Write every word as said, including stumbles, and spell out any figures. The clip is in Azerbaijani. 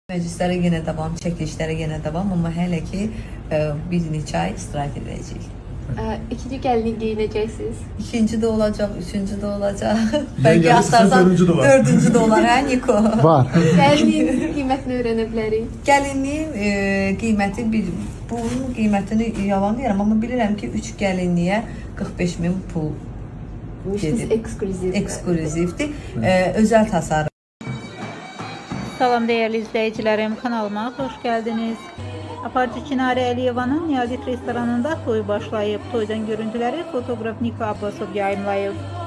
Məclislərə yenə davam, çəkilişlərə yenə davam, amma hələ ki ə, bir neçə ay istirahət edəcəyik. Ə, İkinci gəlinlik geyinəcəksiniz. İkinci də olacaq, üçüncü də olacaq. Bəlkə Bəlkə astarsan dördüncü də var. dördüncü də olar, hə Niko? Var. Gəlinliyin qiymətini öyrənə bilərik. Gəlinliyin e, qiyməti, bir, bunun qiymətini yalan deyirəm, amma bilirəm ki, üç gəlinliyə qırx beş min pul Müştəsi eksklüziv. eksklüzivdir, e, özəl tasarım. Salam değerli izleyicilerim, kanalıma hoş geldiniz. Aparıcı Çinarə Əliyevanın Niyazit restoranında toy başlayıb. Toydan görüntüləri fotoğraf Niko Abbasov yayımlayıb.